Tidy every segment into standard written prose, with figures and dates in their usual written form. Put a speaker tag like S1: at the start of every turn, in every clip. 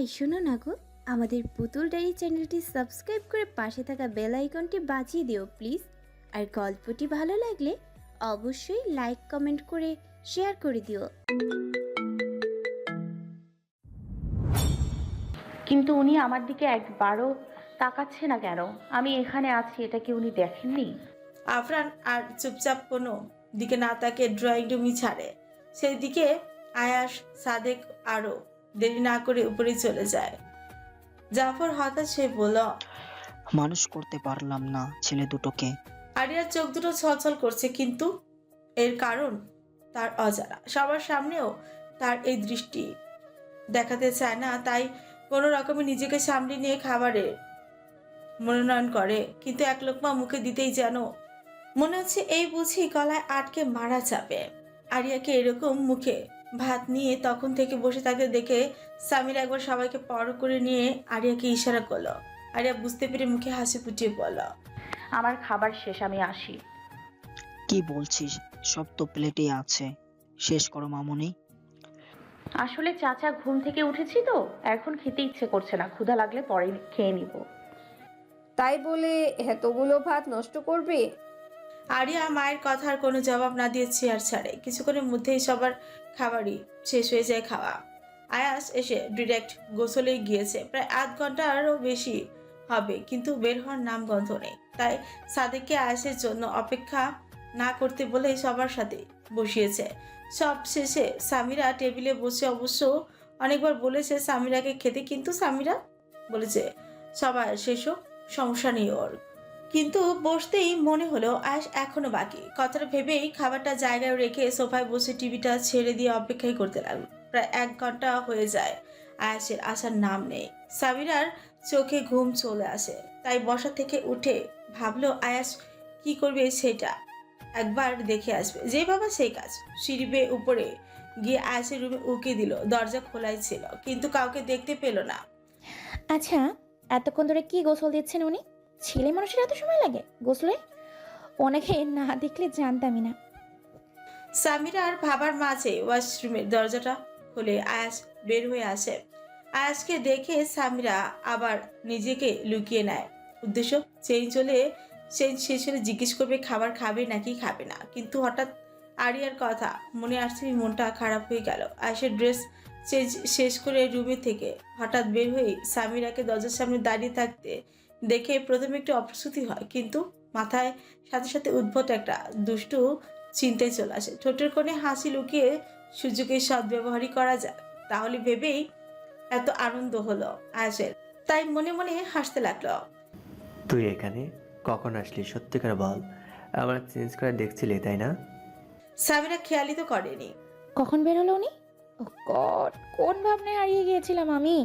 S1: এই শোনো না গো, আমাদের পুতুল ডায়েরি চ্যানেলটি সাবস্ক্রাইব করে পাশে থাকা বেল আইকনটি বাজিয়ে দিও প্লিজ। আর গল্পটি ভালো লাগলে অবশ্যই লাইক কমেন্ট করে শেয়ার করে দিও।
S2: কিন্তু উনি আমার দিকে একবারও তাকাচ্ছে না কেন? আমি এখানে আছি, এটা কি উনি দেখেননি?
S3: আফরান আর চুপচাপ কোনো দিকে না তাকে ড্রয়িং রুমই ছাড়ে। সেই দিকে আয়াস, সাদেক আরও দেরি না করে উপরে চলে যায়। জাফর হঠাৎ সে বলল,
S4: মানুষ করতে পারলাম না ছেলে দুটোকে।
S3: আরিয়ার চোখ দুটো ছলছল করছে, কিন্তু এর কারণ তার অজানা। সবার সামনেও তার এই দৃষ্টি দেখাতে চায় না, তাই কোনো রকমে নিজেকে সামলে নিয়ে খাবারের মনোনয়ন করে। কিন্তু এক লোকমা মুখে দিতেই যেন মনে হচ্ছে এই বুঝি গলায় আটকে মারা যাবে। আরিয়াকে এরকম মুখে ভাত নিয়ে তখন থেকে বসে থাকতে দেখে সামির একবার সবাইকে পর করে নিয়ে আরিয়াকে ইশারা করলো। আরিয়া বুঝতে পেরে মুখে হাসি ফুটিয়ে বলল,
S2: আমার খাবার শেষ, আমি আসি।
S4: কি বলছিস? সব তো প্লেটে আছে, শেষ করো মামুনি।
S2: আসলে চাচা ঘুম থেকে উঠেছি তো, এখন খেতে ইচ্ছে করছে না, ক্ষুধা লাগলে পরে খেয়ে নিব।
S5: তাই বলে এতগুলো ভাত নষ্ট করবে?
S3: আরিয়া মায়ের কথার কোনো জবাব না দিয়ে চেয়ার ছাড়ে। কিছুক্ষণের মধ্যেই সবার খাবারই শেষ হয়ে যায় খাওয়া। আয়াস এসে ডিরেক্ট গোসলে গিয়েছে, প্রায় আধ ঘন্টারও বেশি হবে, কিন্তু বের হওয়ার নাম গন্ধ নেই। তাই সাদেককে আয়াসের জন্য অপেক্ষা না করতে বলেই সবার সাথে বসিয়েছে। সব শেষে সামিরা টেবিলে বসে অবশ্য অনেকবার বলেছে সামিরাকে খেতে, কিন্তু সামিরা বলেছে সবার শেষ হোক, সমস্যা নেই ওর। কিন্তু বসতেই মনে হলো আয়াস এখনো বাকি। কথাটা ভেবেই খাবারটা জায়গায় রেখে সোফায় বসে টিভিটা ছেড়ে দিয়ে অপেক্ষাই করতে লাগলো। প্রায় 1 ঘন্টা হয়ে যায়, আয়াসের আসার নাম নেই। সামিরার চোখে ঘুম চলে আসে, তাই বসা থেকে উঠে ভাবলো আয়াস কি করবে সেটা একবার দেখে আসবে। যে বাবা সেই কাজ। সিঁড়ি বেয়ে উপরে গিয়ে আয়াসের রুমে উকি দিল। দরজা খোলাই ছিল, কিন্তু কাউকে দেখতে পেল না।
S6: আচ্ছা, এতক্ষণ ধরে কি গোসল দিচ্ছেন উনি? ছেলে মানুষের এত সময় লাগে গোসলে? ওনাকে না দেখলে জানতামই না।
S3: সামিরার ভাবার মাঝে ওয়াশরুমের দরজাটা খুলে আয়াস বের হয়ে আসে। আয়াসকে দেখে সামিরা আবার নিজেকে লুকিয়ে নেয়। উদ্দেশ্য চেঞ্জ শেষ হলে জিজ্ঞেস করবে খাবার খাবে নাকি খাবে না। কিন্তু হঠাৎ আরিয়ার কথা মনে আসছে, মনটা খারাপ হয়ে গেল। আয়াসের ড্রেস চেঞ্জ শেষ করে রুমে থেকে হঠাৎ বের হয়ে সামিরাকে দরজার সামনে দাঁড়িয়ে থাকতে দেখে প্রথমে একটু অপ্রস্তুতি হয়, কিন্তু মাথায় সাথে সাথে উদ্ভট একটা দুষ্টু চিন্তায় চলে আসে। ঠোঁটের কোণে হাসি লুকিয়ে সুযোগের সদ্ব্যবহারই করা যায়, তাহলে ভেবেই এত আনন্দ হলো আয়াসের। তাই মনে মনে হাসতে লাগলো।
S7: তুই এখানে কখন আসলি সত্যি করে বল? আমার চেঞ্জ করে দেখছিলি তাই না?
S3: সামিরা খেয়ালই তো করেনি।
S6: কখন বের হলো উনি? ও গড, কোন ভাবনায় হারিয়ে গিয়েছিলাম আমি।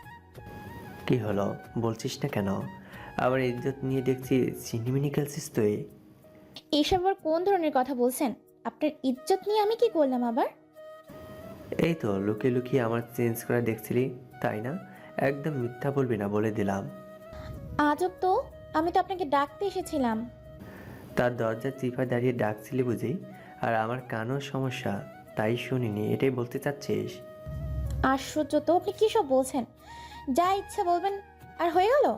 S7: কি হলো বলছিস না কেন? আবার ইজ্জত নিয়ে দেখছি চিনিমিনি খেলছিস তুই।
S6: এইসব আবার কোন ধরনের কথা বলছেন? আপনার ইজ্জত নিয়ে আমি কি করলাম আবার?
S7: এই তো লুকিয়ে লুকিয়ে আমার চেঞ্জ করে দেখছিলি তাই না? একদম মিথ্যা বলবি না বলে দিলাম।
S6: আজব তো, আমি তো আপনাকে ডাকতে এসেছিলাম।
S7: তার দরজা চিপায় দাঁড়িয়ে ডাকছিলি বুঝি? আর আমার কানও সমস্যা, তাই শুনিনি, এটাই বলতে চাচ্ছিস?
S6: আশ্চর্য তো, আপনি কি সব বলছেন? যা ইচ্ছা বলবেন আর হয়ে গেল।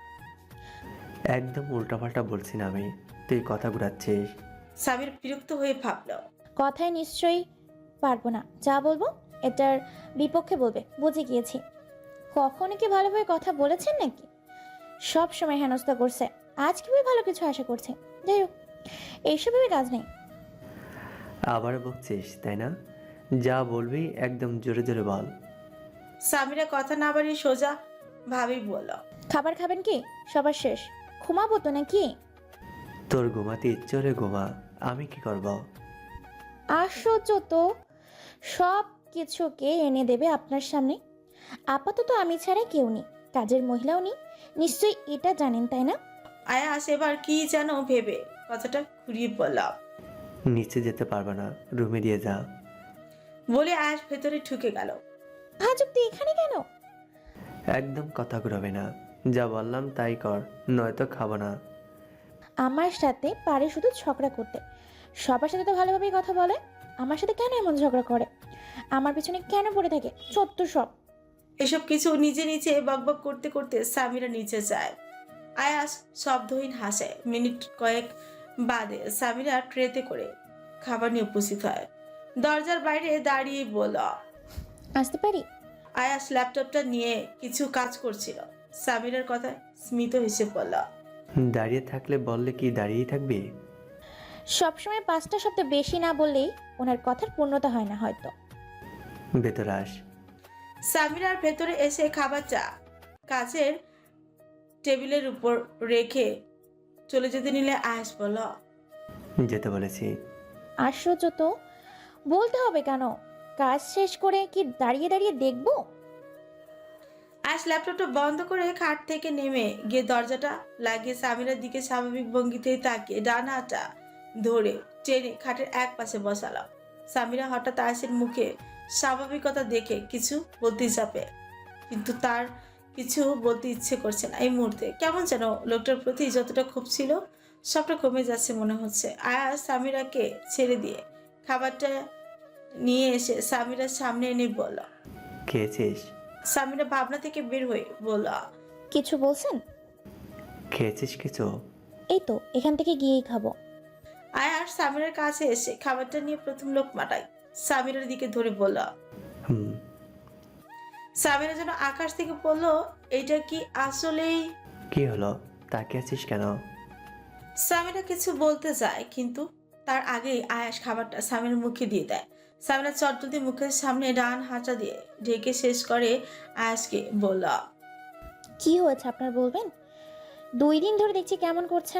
S7: একদম উল্টাপাল্টা বলছি না আমি, তুই কথা ঘুরাচ্ছিস।
S3: সামির বিরক্ত হয়ে ভাবলো,
S6: কথায় নিশ্চয়ই পারবো না, যা বলবো এটার বিপক্ষে বলবে, বুঝে গিয়েছি। কখনো কি ভালোভাবে কথা বলেছেন নাকি? সব সময় হেনস্থা করছে, আজ কিভাবে ভালো কিছু আশা করছে। যাই হোক, এইসবের কাজ নেই।
S7: আবার বকছিস তাই না? যা বলবি একদম জোরে জোরে বল।
S3: সামিরা কথা না বাড়িয়ে সোজা ভাবেই বলল,
S6: খাবার খাবেন কি? সবার শেষ, ঘুমাবো তো নাকি?
S7: তোর ঘুমাতে ইচ্ছে হলে ঘুমা, আমি কি করব?
S6: আশ্চর্য তো, সব কিছুকে এনে দেবে আপনার সামনে। আপাতত আমি ছাড়া কেউ নেই, কাজের মহিলাও নেই, নিশ্চয়ই এটা জানেন তাই না?
S3: আয়াস এবার কি যেন ভেবে কথাটা ঘুরিয়ে বলল।
S7: নিচে যেতে পারবে না, রুমে দিয়ে যা।
S3: বলে আয়াস ভেতরে ঢুকে গেল।
S6: আজ অব্দি এখানে কেন?
S7: একদম কথা ঘুরাবে না, যা বললাম তাই কর, নয়তো খাবো না।
S6: আমার সাথে পারে শুধু ঝগড়া করতে, সবার সাথে তো ভালোভাবেই কথা বলে। আমার সাথে কেন এমন ঝগড়া করে? আমার পিছনে কেন পড়ে থাকে? সত্য সব।
S3: এসব কিছু নিজে নিচে বকবক করতে করতে সামিরা নিচে যায়। আয়াস শব্দহীন হাসে। মিনিট কয়েক বাদে সামিরা ট্রেতে করে খাবার নিয়ে উপস্থিত হয়। দরজার বাইরে দাঁড়িয়ে বলল।
S6: আসতে পারি?
S3: আয়াস ল্যাপটপটা নিয়ে কিছু কাজ করছিল। সামিরার কথায় স্মিত হেসে বলল।
S7: দাঁড়িয়ে থাকলে বললে কি দাঁড়িয়েই থাকবি?
S6: সবসময় 5টা শব্দ বেশি না বললেই ওনার কথার পূর্ণতা হয় না হয়তো।
S7: ভেতরে আস।
S3: সামিরার ভেতরে এসে খাবারটা কাচের টেবিলের উপর রেখে চলে যেতে নিলে আয়াস বলল।
S7: যেতে বলেছি।
S6: আশ্চর্য তো, বলতে হবে কেন? কাজ শেষ করে কি দাঁড়িয়ে দাঁড়িয়ে দেখবো?
S3: আয়াস ল্যাপটপটা বন্ধ করে খাট থেকে নেমে গিয়ে দরজাটা লাগিয়ে সামিরার দিকে স্বাভাবিক ভঙ্গিতেই তাকিয়ে ডান হাতটা ধরে টেনে খাটের এক পাশে বসালো। সামিরা হঠাৎ আয়াসের মুখে স্বাভাবিকতা দেখে কিছু বলতে চাপে, কিন্তু তার কিছু বলতে ইচ্ছে করছে না এই মুহূর্তে। কেমন যেন লোকটার প্রতি যতটা ক্ষোভ ছিল সবটা কমে যাচ্ছে মনে হচ্ছে। আয়াস সামিরাকে ছেড়ে দিয়ে খাবারটা নিয়ে এসে সামিরার সামনে এনে বলল।
S7: খেয়েছিস?
S3: সামিরা ভাবনা থেকে বের হয়ে বলল।
S6: কিছু বলছেন?
S7: খেয়েছিস কিছু?
S6: এই তো এখান থেকে গিয়েই খাবো।
S3: আয়ার সামিরার কাছে এসে খাবারটা নিয়ে প্রথম লোকমাটায় সামিরার দিকে ধরে বলল।
S7: হুম।
S3: সামিরা যেন আকাশ থেকে বলল, এটা কি আসলেই?
S7: কি হলো, তাকিয়ে আছিস কেন?
S3: সামিরা কিছু বলতে যায়, কিন্তু তার আগেই আয়াস খাবারটা সামিরার মুখে দিয়ে দেয়। সামিরা চটজলদি মুখের সামনে ডান হাঁটা দিয়ে ঢেকে শেষ করে আয়াসকে বলল।
S6: কি হয়েছে আপনার বলবেন? 2 দিন ধরে দেখছি কেমন করছেন।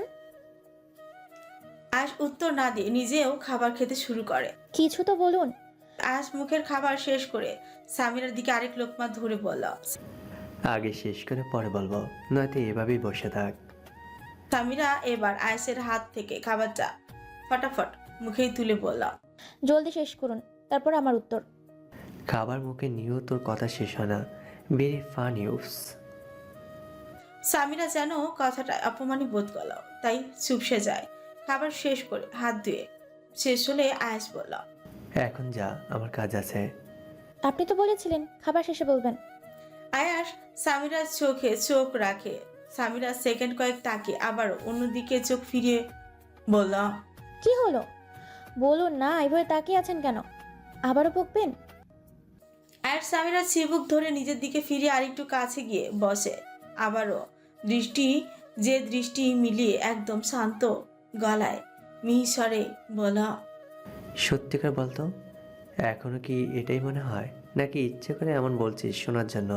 S3: আয়াস উত্তর না দিয়ে নিজেও খাবার খেতে শুরু করে।
S6: কিছু তো বলুন।
S3: আয়াস মুখের খাবার শেষ করে সামিরার দিকে আরেক লোকমা ধরে বলল।
S7: আগে শেষ করে পরে বলবো, নয়তো এভাবেই বসে থাক।
S3: সামিরা এবার আয়াসের হাত থেকে খাবারটা ফটাফট মুখেই তুলে বলল।
S6: জলদি শেষ করুন, তারপর আমার উত্তর।
S7: খাবার মুখে নিয়েও তোর কথা শেষ হয় না। Very funny. উফস।
S3: সামিরা যেন কথাটা অপমানই বোধ করল, তাই চুপসে যায়। খাবার শেষ করে হাত ধুয়ে শেষ হলে আয়াস বলল।
S7: এখন যা, আমার কাজ আছে।
S6: আপনি তো বলেছিলেন খাবার শেষে বলবেন।
S3: আয়াস সামিরার চোখে চোখ রাখে। সামিরা সেকেন্ড কয়েক তাকিয়ে আবারও অন্যদিকে চোখ ফিরিয়ে বলল।
S6: কি হলো বলুন না, এভাবে তাকিয়ে আছেন কেন? আবারও বকবেন?
S3: আয়াস সামিরা চিবুক ধরে নিজের দিকে ফিরে আরেকটু কাছে গিয়ে বসে। আবারও দৃষ্টি মিলিয়ে একদম শান্ত গলায় মিহিস্বরে বলল।
S7: সত্যিকার বলতো, এখনো কি এটাই মনে হয়, নাকি ইচ্ছে করে এমন বলছিস শোনার জন্য?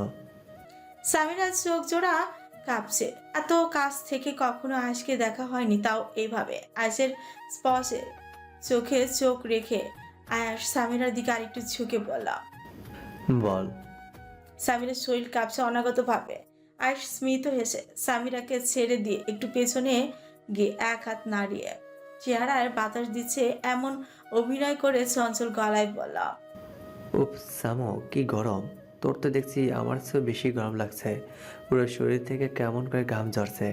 S3: সামিরার চোখ জোড়া কাঁপছে। এত কাছ থেকে কখনো আয়াসকে দেখা হয়নি, তাও এইভাবে। আয়াসের স্পর্শে চোখে চোখ রেখে আয়াস সামিরার দিকে আরেকটু ঝুঁকে বলল।
S7: বল।
S3: সামিরার শরীর কাঁপছে অনাগত ভাবে। আয়াস স্মিত হেসে সামিরাকে ছেড়ে দিয়ে একটু পেছনে গিয়ে এক হাত নাড়িয়ে চেহারায় বাতাস দিচ্ছে এমন অভিনয় করে চঞ্চল গলায় বলল।
S7: উপ সামো, কি গরম! তোর তো দেখছি আমার চেয়েও বেশি গরম লাগছে। পুরো শরীর থেকে কেমন করে ঘাম ঝরছে।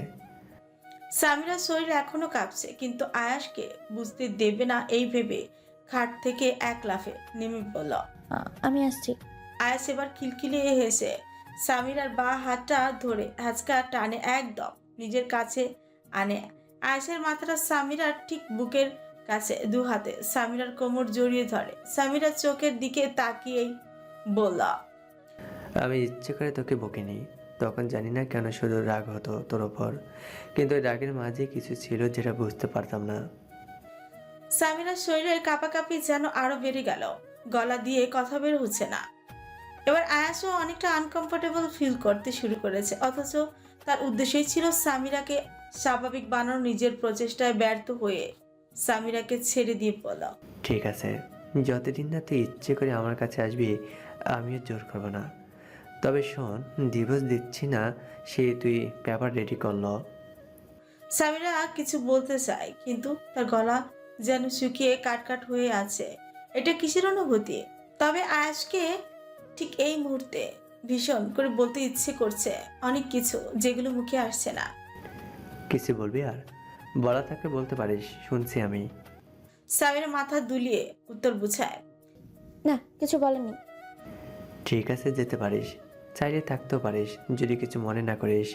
S3: সামিরার শরীর এখনো কাঁপছে, কিন্তু আয়াসকে বুঝতে দেবে না এই ভেবে খাট থেকে এক লাফে নেমে বলল।
S6: আমি আসছি।
S3: আয়াস এবার খিলখিলিয়ে হেসে সামিরার বাঁ হাতটা ধরে হ্যাচকা টানে একদম নিজের কাছে আনে। আয়াসের মাথাটা সামিরার ঠিক বুকের কাছে দু হাতে সামিরার কোমর জড়িয়ে ধরে। সামিরার চোখের দিকে তাকিয়েই বলল।
S7: আমি ইচ্ছে করে তোকে বকিনি, তখন জানি না কেন শুধু রাগ হতো তোর ওপর, কিন্তু ওই রাগের মাঝে কিছু ছিল যেটা বুঝতে পারতাম না।
S3: সামিরার শরীরের কাঁপাকাঁপি যেন আরো বেড়ে গেল, গলা দিয়ে কথা বের হচ্ছে না। এবার আয়াসও অনেকটা আনকমফোর্টেবল ফিল করতে শুরু করেছে, অথচ তার উদ্দেশ্যই ছিল সামিরাকে স্বাভাবিক বানানোর। নিজের প্রচেষ্টায় ব্যর্থ হয়ে সামিরাকে ছেড়ে দিয়ে বলল।
S7: ঠিক আছে, যতদিন না তুই ইচ্ছে করে আমার কাছে আসবি আমিও জোর করবো না। তবে শোন, ডিভোর্স দিচ্ছি না, সে তুই পেপার রেডি করলো।
S3: সামিরা কিছু বলতে চায়, কিন্তু তার গলা যেন শুকিয়ে কাটকাট হয়ে আছে। এটা কিসের অনুভূতি? তবে আয়াসকে ঠিক এই মুহূর্তে ভীষণ করে বলতে ইচ্ছে করছে অনেক কিছু, যেগুলো মুখে আসছে না।
S7: কিছু বলবি আর? বলা থাকলে বলতে পারিস, শুনছি আমি।
S3: সামিরা মাথা দুলিয়ে উত্তর বুঝায়।
S6: না, কিছু বলেননি।
S7: ঠিক আছে, যেতে পারিস। চাইলে থাকতেও পারিস যদি কিছু মনে না করিস।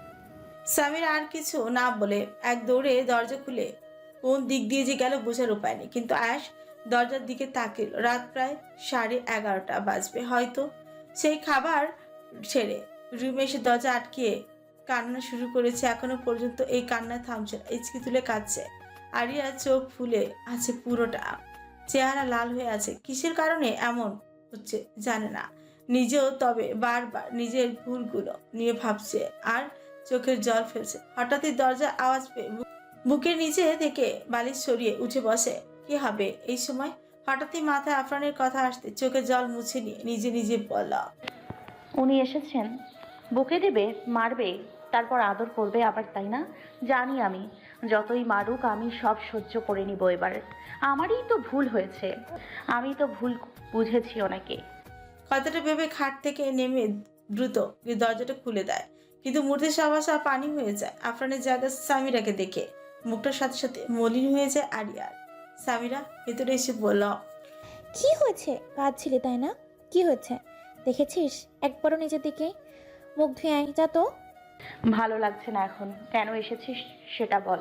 S3: সামিরা আর কিছু না বলে এক দৌড়ে দরজা খুলে কোন দিক দিয়ে যে গেল বোঝার উপায় নেই, কিন্তু আয়াস দরজার দিকে তাকিল। রাত প্রায় 11:30 বাজবে হয়তো। সেই খাবার ছেড়ে রুমে এসে দরজা আটকিয়ে কান্না শুরু করেছে। এখনো পর্যন্ত এই কান্না থামছে না, ইচকি তুলে কাঁদছে। আরিয়া চোখ ফুলে আছে পুরোটা, চেহারা লাল হয়ে আছে। কিসের কারণে এমন হচ্ছে জানে না নিজেও, তবে বারবার নিজের ভুলগুলো নিয়ে ভাবছে আর চোখের জল ফেলছে। হঠাৎই দরজার আওয়াজ পেয়ে বুকের নিচে থেকে বালিশ সরিয়ে উঠে বসে। কি হবে এই সময়? হঠাৎই মাথায় আফরানের কথা আসতে চোখের জল মুছে নিয়ে নিজে নিজে বলল,
S2: উনি এসেছেন, বুকে দেবে, মারবে, তারপর আদর করবে আবার, তাই না? জানি আমি, যতই মারুক আমি সব সহ্য করে নিব এবার। আমারই তো ভুল হয়েছে, আমি তো ভুল বুঝেছি ওনাকে।
S3: কথাটা ভেবে খাট থেকে নেমে দ্রুত দরজাটা খুলে দেয়, কিন্তু মুহূর্তে সবাসা পানি হয়ে যায়। আফরানের জায়গা সামিরাকে দেখে মুখটার সাথে সাথে মলিন হয়ে যায় আরিয়ার। সামিরা ভেতরে এসে বলল,
S6: কি হয়েছে? কাঁদছিলি তাই না? কি হয়েছে দেখেছিস? একবারও নিজের দিকে মুখ ধুয়ে আয় যা তো।
S2: ভালো লাগছে না এখন। কেন এসেছিস সেটা বল।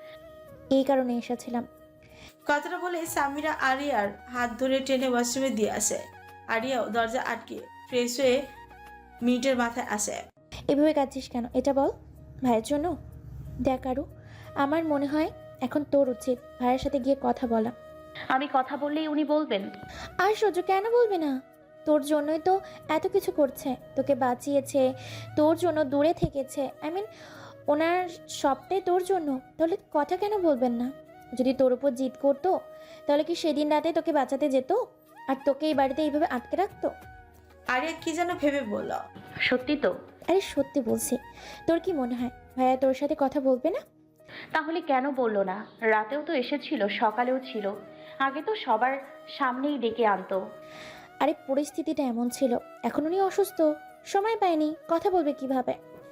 S6: এই কারণে এসেছিলাম।
S3: কথাটা বলে সামিরা আরিয়ার হাত ধরে টেনে ওয়াশরুমে দিয়ে আসে। আরিয়াও দরজা আটকে ফ্রেশ হয়ে মিনিটের মাথায় আসে।
S6: এভাবে কাঁদছিস কেন এটা বল। ভাইয়ের জন্য? দেখ আরু, আমার মনে হয় এখন তোর উচিত ভাইয়ের সাথে গিয়ে কথা বলা।
S2: আমি কথা বললেই উনি বলবেন?
S6: আর সহ্য কেন বলবে না? তোর জন্যই তো এত কিছু করছে, তোকে বাঁচিয়েছে, তোর জন্য দূরে থেকেছে। ওনার সবটাই তোর জন্য, তাহলে কথা কেন বলবেন না? যদি তোর উপর জিদ করতো তাহলে কি সেদিন রাতে তোকে বাঁচাতে যেত আর তোকে এই বাড়িতে এইভাবে আটকে রাখতো?
S3: আরিয়া কি যেন ভেবে বলল,
S2: সত্যি তো?
S6: আরে সত্যি বলছি। তোর কি মনে হয় ভাইয়া তোর সাথে কথা বলবে না?
S2: তাহলে কেন বললো না? রাতেও তো এসেছিল, সকালেও ছিল, আগে তো সবার সামনেই ডেকে আনতো।
S6: আরে পরিস্থিতিটা এমন ছিল, এখন উনি অসুস্থ, সময় পায়নি, কথা বলবে কিভাবে?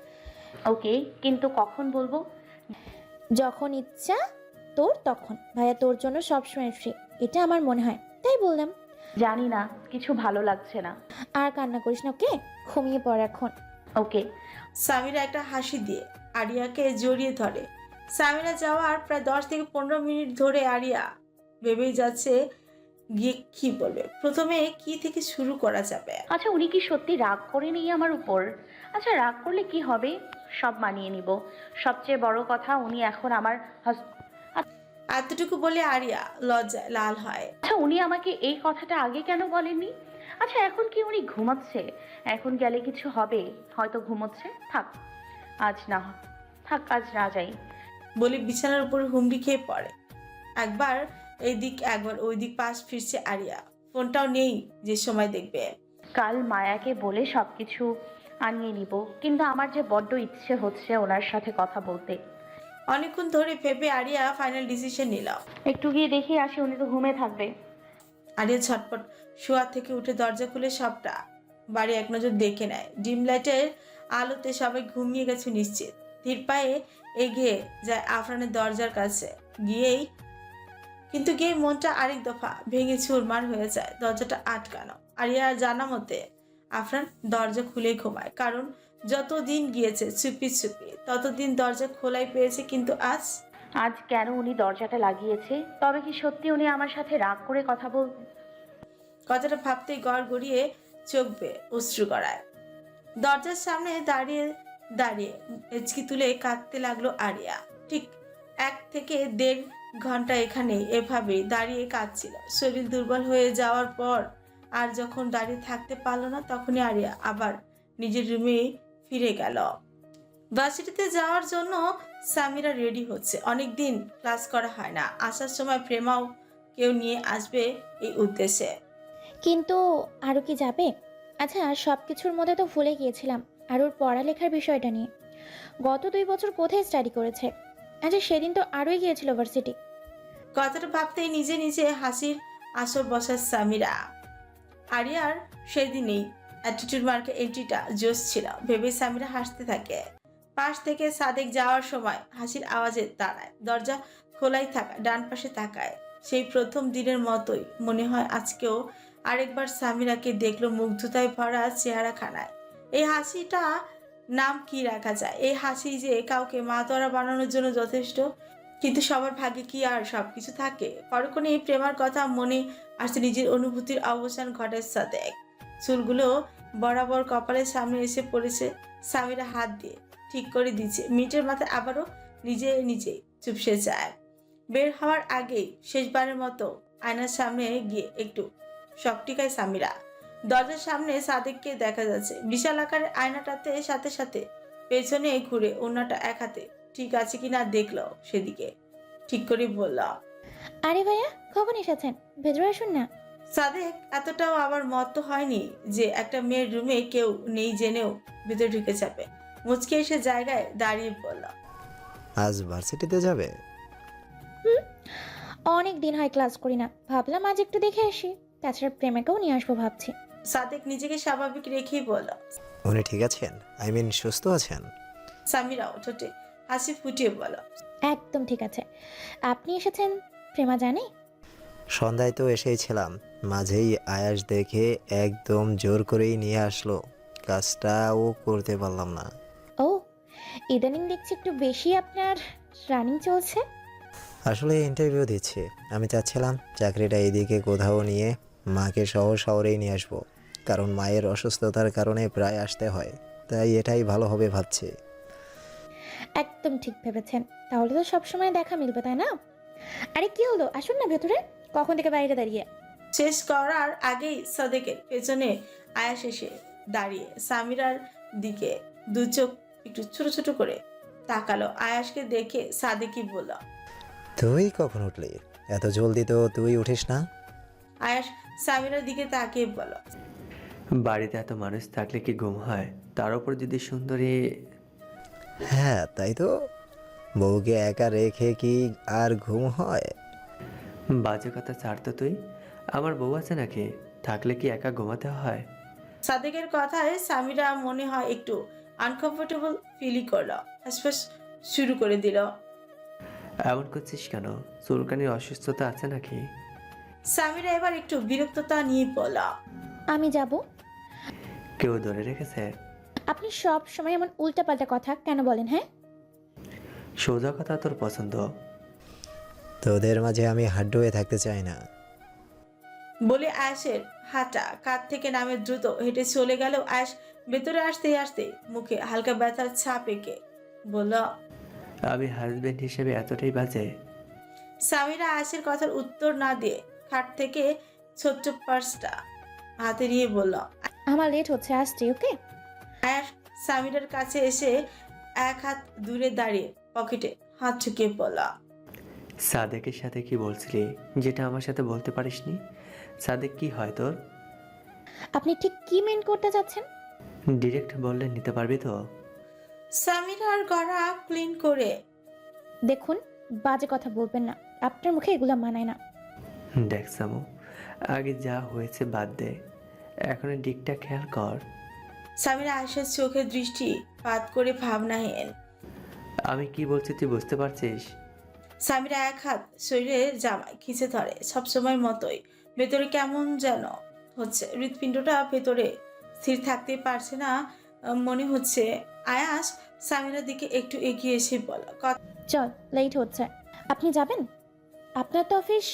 S2: ওকে, কিন্তু কখন বলবো?
S6: যখন ইচ্ছা তোর তখন। ভাইয়া তোর জন্য সবসময় ফ্রি, এটা আমার মনে হয়, তাই বললাম।
S2: জানি না, কিছু ভালো লাগছে না।
S6: আর কান্না করিস না, ওকে? ঘুমিয়ে পড় এখন।
S2: ওকে।
S3: সামিরা একটা হাসি দিয়ে আরিয়াকে জড়িয়ে ধরে। সামিরা যাওয়ার প্রায় 10 থেকে 15 মিনিট ধরে আরিয়া ভেবেই যাচ্ছে গিয়ে কি বলবে, প্রথমে কি থেকে শুরু করা যাবে।
S2: আচ্ছা, উনি কি সত্যি রাগ করেনি আমার উপর? আচ্ছা, রাগ করলে কি হবে, সব মানিয়ে নিব। সবচেয়ে বড় কথা, উনি এখন আমার
S3: এতটুকু বলে আরিয়া লজ্জায় লাল হয়।
S2: আচ্ছা, উনি আমাকে এই কথাটা আগে কেন বলেননি? আচ্ছা, এখন কি উনি ঘুমাচ্ছে? এখন গেলে কিছু হবে, হয়তো ঘুমোচ্ছে। আজ না যাই।
S3: বলে বিছানার উপর হুমড়ি খেয়ে পড়ে। একবার এই দিক একবার ওই দিক পাশ ফিরছে আরিয়া, ফোনটাও নেই যে সময় দেখবে।
S2: কাল মায়াকে বলে সবকিছু আনিয়ে নিব, কিন্তু আমার যে বড্ড ইচ্ছে হচ্ছে ওনার সাথে কথা বলতে।
S3: অনেকক্ষণ ধরে ভেবে আরিয়া ফাইনাল ডিসিশন নিল।
S2: একটু গিয়ে দেখে আসি, উনি তো ঘুমে থাকবে।
S3: আরিয়া ছটপট শোয়া থেকে উঠে দরজা খুলে সবটা বাড়ি এক নজর দেখে নেয়। ডিম লাইটের আলোতে সবাই ঘুমিয়ে গেছে নিশ্চিত। ধীর পায়ে এগিয়ে যায় আফরানের দরজার কাছে। গিয়ে মনটা আরেক দফা ভেঙে চুরমার হয়ে যায়। দরজাটা আটকানো। আরিয়ার জানা মতে আফরান দরজা খুলে ঘুমায়, কারণ যত দিন গিয়েছে চুপি চুপি ততদিন দরজা খোলাই পেয়েছে, কিন্তু
S2: আজ কেন উনি দরজাটা লাগিয়েছে? তবে কি সত্যি উনি আমার সাথে রাগ করে কথা বলবে?
S3: কথাটা ভাবতেই গড় গড়িয়ে চোখ বেয়ে অশ্রু গড়ায়। দরজার সামনে দাঁড়িয়ে দাঁড়িয়ে হেঁচকি তুলে কাঁদতে লাগলো আরিয়া। ঠিক 1 থেকে 1.5 ঘন্টা এখানে এভাবে দাঁড়িয়ে কাঁদছিল। শরীর দুর্বল হয়ে যাওয়ার পর আর যখন দাঁড়িয়ে থাকতে পারলো না, তখনই আরিয়া আবার নিজের রুমে ফিরে গেল। ভার্সিটিতে যাওয়ার জন্য সামিরা রেডি হচ্ছে। অনেকদিন ক্লাস করা হয় না, আসার সময় প্রেমাও কেউ নিয়ে আসবে এই উদ্দেশ্যে।
S6: কিন্তু আরও কি যাবে? আচ্ছা, সব কিছুর মধ্যে তো ভুলে গিয়েছিলাম আরুর পড়ালেখার বিষয়টা নিয়ে। গত 2 বছর কোথায় স্টাডি করেছে? আচ্ছা, সেদিন তো আরোই গিয়েছিল ভার্সিটি।
S3: কথাটা ভাবতেই নিজে নিজে হাসির আসর বসার সামিরা। আরিয়ার সেদিনই অ্যাটিটিউড মার্কে এন্ট্রিটা জোশ ছিল ভেবে সামিরা হাসতে থাকে। পাশ থেকে সাদেক যাওয়ার সময় হাসির আওয়াজে দাঁড়ায়। দরজা খোলাই থাকা ডান পাশে তাকায়। সেই প্রথম দিনের মতোই মনে হয় আজকেও আরেকবার সামিরাকে দেখলো মুগ্ধতায় ভরা চেহারাখানায়। এই হাসিটা নাম কি রাখা যায়? এই হাসি যে কাউকে মাতোয়ারা বানানোর জন্য যথেষ্ট। কিন্তু সবার ভাগ্যে কি আর সবকিছু থাকে? পরক্ষণে এই প্রেমার কথা মনে আসছে, নিজের অনুভূতির অবসান ঘটায় সাদেক। চুলগুলো বরাবর কপালের সামনে এসে পড়েছে। সামিরা হাত দিয়ে ঠিক করে দিচ্ছে। মিনিটের মাথায় আবারও নিজে নিজে চুপসে যায়। বের হওয়ার আগেই শেষবারের মতো আয়নার সামনে গিয়ে একটু শকটিকায় সামিরা। দরজার সামনে সাদেককে দেখা যাচ্ছে। বিশাল আকারের আয়নাটাতে সাথে সাথে পেছনে ঘুরে অন্যটা এক হাতে ঠিক আছে কিনা দেখলো সেদিকে। ঠিক করে বলল,
S6: আরে ভাইয়া, কখন এসেছেন? ভেতরে আসুন না।
S3: সাদেক এতটাও আবার মত হয়নি যে একটা মেয়ের রুমে কেউ নেই জেনেও ভিতরে ঢুকে যাবে। মুচকে এসে জায়গায় দাঁড়িয়ে বলল,
S8: আজ ভার্সিটিতে যাবে?
S6: অনেক দিন হয় ক্লাস করি না, ভাবলাম আজ একটু দেখে আসি। তাছাড়া প্রেমিকাও নিয়ে আসবো ভাবছি।
S3: সাদেক নিজেকে স্বাভাবিক রেখেই বলল।
S8: উনি ঠিক আছেন? সুস্থ আছেন?
S3: সামিরাও ঠোঁটে হাসি ফুটিয়ে বলল,
S6: একদম ঠিক আছে। আপনি এসেছেন প্রেমা জানে?
S8: সন্ধ্যায় তো এসেইছিলাম, মাঝেই আয়াস দেখে একদম জোর করেই নিয়ে আসলো। কাজটাও করতে পারলাম না।
S6: ও, ইদানিং দেখছি একটু বেশি আপনার রানিং চলছে।
S8: আসলে ইন্টারভিউ দিচ্ছি। আমি চাচ্ছিলাম চাকরিটা এদিকে কোথাও নিয়ে মাকে সহ শহরেই নিয়ে আসবো, কারণ মায়ের অসুস্থতার কারণে প্রায় আসতে হয়। তাই এটাই ভালো হবে ভাবছি।
S6: একদম ঠিক ভেবেছেন। তাহলে তো সবসময় দেখা মিলবে, তাই না? আরে কি হলো, আসুন না ভেতরে। কখন থেকে বাইরে দাঁড়িয়ে?
S3: শেষ করার আগেই সাদেকের পেছনে আয়াস এসে দাঁড়িয়ে সামিরার দিকে দু চোখ একটু ছোট ছোট করে তাকালো। আয়াসকে দেখে সাদেকই বলল,
S8: তুই কখন উঠলি? এত জলদি তো তুই উঠিস না।
S3: আয়াস সামিরার দিকে তাকিয়ে বলল,
S7: বাড়িতে এত মানুষ থাকলে কি ঘুম হয়? তার উপর যদি সুন্দরী।
S8: হ্যাঁ তাই তো, বউকে একা রেখে কি আর ঘুম হয়?
S7: বাজে কথা ছাড় তো তুই। আমার বউ আছে নাকি? থাকলে কি একা ঘুমাতে হয়?
S3: সাদেকের কথায় সামিরা মনে হয় একটু আনকমফোর্টেবল ফিলই করলো। হাসপাস শুরু করে দিল।
S7: এমন করছিস কেন? চুলকানির অসুস্থতা আছে নাকি?
S3: সামিরা এবার একটু বিরক্ততা নিয়ে বলল,
S6: আমি যাব।
S7: কেউ ধরে রেখেছে?
S6: আপনি সব সময় এমন উল্টাপাল্টা কথা কেন বলেন? হ্যাঁ,
S7: সোজা কথা তোর পছন্দ।
S8: তোদের মাঝে আমি হাড্ডু হয়ে থাকতে চাই না।
S3: বলে আয়াসের হাঁটা কাঁধ থেকে নামে দ্রুত হেঁটে চলে গেল। আয়াস ভেতরে আসতে আসতে মুখে হালকা ব্যথার ছাপ এঁকে বলল,
S7: আমি হাজবেন্ড হিসেবে এতটাই বাজে?
S3: সামিরা আয়াসের কথার উত্তর না দিয়ে খাট থেকে ছোট্ট পার্সটা হাতে নিয়ে বলল।
S6: আমার লেট হচ্ছে, আসছি। ওকে।
S3: আয়াস সামিরার কাছে এসে এক হাত দূরে দাঁড়িয়ে পকেটে হাত ঢুকিয়ে বলল,
S7: সাদেকের সাথে কি বলছিলি যেটা আমার সাথে বলতে পারিসনি? সাদেক কি হয় তোর?
S6: আপনি ঠিক কি মেন করতে চাচ্ছেন?
S7: ডিরেক্ট বললে নিতে পারবি তো?
S3: সামিরার গলা ক্লিন করে
S6: দেখুন, বাজে কথা বলবেন না। আপনার মুখে এগুলো মানায় না।
S7: দেখ সামু, আগে যা হয়েছে বাদ দে, এখন দিকটা খেয়াল কর।
S3: সামিরা আয়েশার চোখে দৃষ্টি পাত করে ভাবনাহীন।
S7: আমি কি বলছি তুই বুঝতে পারছিস?
S3: সামিরা এক হাত শরীরের জামায় খিচে ধরে। সবসময় মতোই ভেতরে কেমন যেন হচ্ছে। হৃৎপিণ্ডটা ভেতরে স্থির থাকতে পারছে না মনে হচ্ছে। আয়াস সামিরার দিকে একটু এগিয়ে এসে বলল,
S6: চল, লেট হচ্ছে। আপনি যাবেন? আপনার তো অফিস।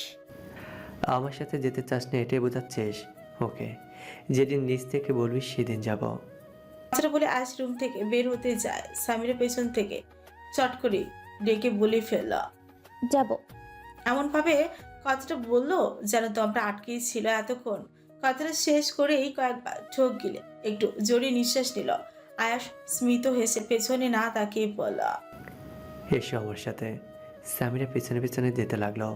S7: আমার সাথে যেতে চাস না এটাই বোঝাচ্ছিস? ওকে, যেদিন নিজ থেকে বলবি সেদিন যাব।
S3: কথাটা বলে আয়াস রুম থেকে বের হতে যায়। সামিরা পেছন থেকে চট করে ডেকে বলে ফেলল,
S6: যাব।
S3: এমনভাবে কথাটা বললো যেন দমটা আটকেই ছিল এতক্ষণ। কথাটা শেষ করেই কয়েকবার ঠোক গিলে একটু জোরে নিঃশ্বাস নিল। আয়াস স্মিত হেসে পেছনে না তাকিয়ে বলল,
S7: এসো আমার সাথে। সামিরা পেছনে পেছনে যেতে লাগলো।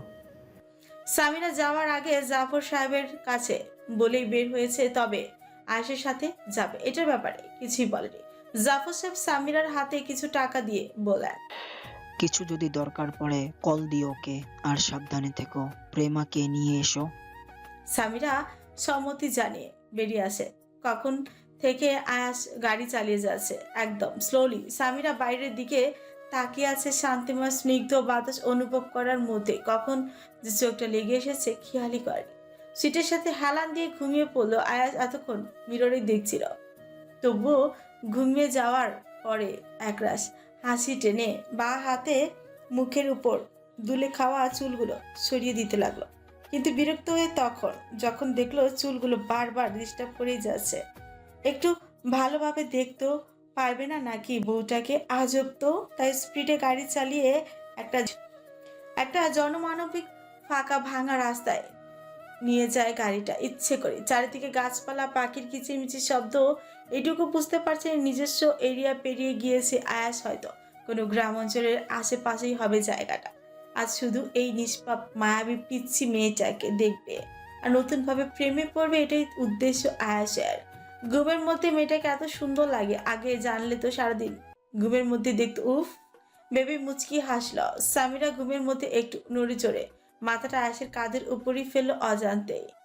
S3: সামিরা যাওয়ার আগে জাফর সাহেবের কাছে বলেই বের হয়েছে, তবে আয়েশের সাথে যাবে এটার ব্যাপারে কিছুই বলেনি। জাফর সাহেব সামিরার হাতে কিছু টাকা দিয়ে বলেন,
S4: কিছু যদি দরকার পড়ে কল দিও ওকে, আর সাবধানে থেকো। প্রেমাকে নিয়ে এসো।
S3: সামিরা সম্মতি জানিয়ে বেরিয়ে আসে। কখন থেকে আয়াস গাড়ি চালিয়ে যাচ্ছে একদম স্লোলি। সামিরা বাইরের দিকে তাকিয়ে আছে শান্তিময় স্নিগ্ধ বাতাস অনুভব করার মধ্যে। কখন যে চোখটা লেগে এসেছে খেয়ালই করেনি। সিটের সাথে হেলান দিয়ে ঘুমিয়ে পড়লো। আয়াস এতক্ষণ মিররে দেখছিল তবুও ঘুমিয়ে যাওয়ার পরে একরাশ হাসি টেনে বাঁ হাতে মুখের উপর দুলে খাওয়া চুলগুলো সরিয়ে দিতে লাগলো। কিন্তু বিরক্ত হয়ে যখন দেখলো চুলগুলো বারবার ডিস্টার্ব করেই যাচ্ছে, একটু ভালোভাবে দেখতেও পারবে না নাকি বউটাকে? আজব তো। তাই স্পিডে গাড়ি চালিয়ে একটা জনমানবিক ফাঁকা ভাঙা রাস্তায় নিয়ে যায় গাড়িটা ইচ্ছে করে। চারিদিকে গাছপালা, পাখির কিচিরমিচির শব্দ। এটুকু বুঝতে পারছে নিজস্ব এরিয়া পেরিয়ে গিয়েছে আয়াস, হয়তো কোনো গ্রাম অঞ্চলের আশেপাশেই হবে জায়গাটা। আজ শুধু এই নিষ্পাপ মায়াবী পিচ্ছি মেয়েটাকে দেখবে আর নতুনভাবে প্রেমে পড়বে, এটাই উদ্দেশ্য আয়াসের। ঘুমের মধ্যে মেয়েটাকে এত সুন্দর লাগে, আগে জানলে তো সারাদিন ঘুমের মধ্যে দেখতো। উফ, বেবি মুচকি হাসলো। সামিরা ঘুমের মধ্যে একটু নড়ে চড়ে মাথাটা আয়াসের কাঁধের উপরই ফেললো অজান্তেই।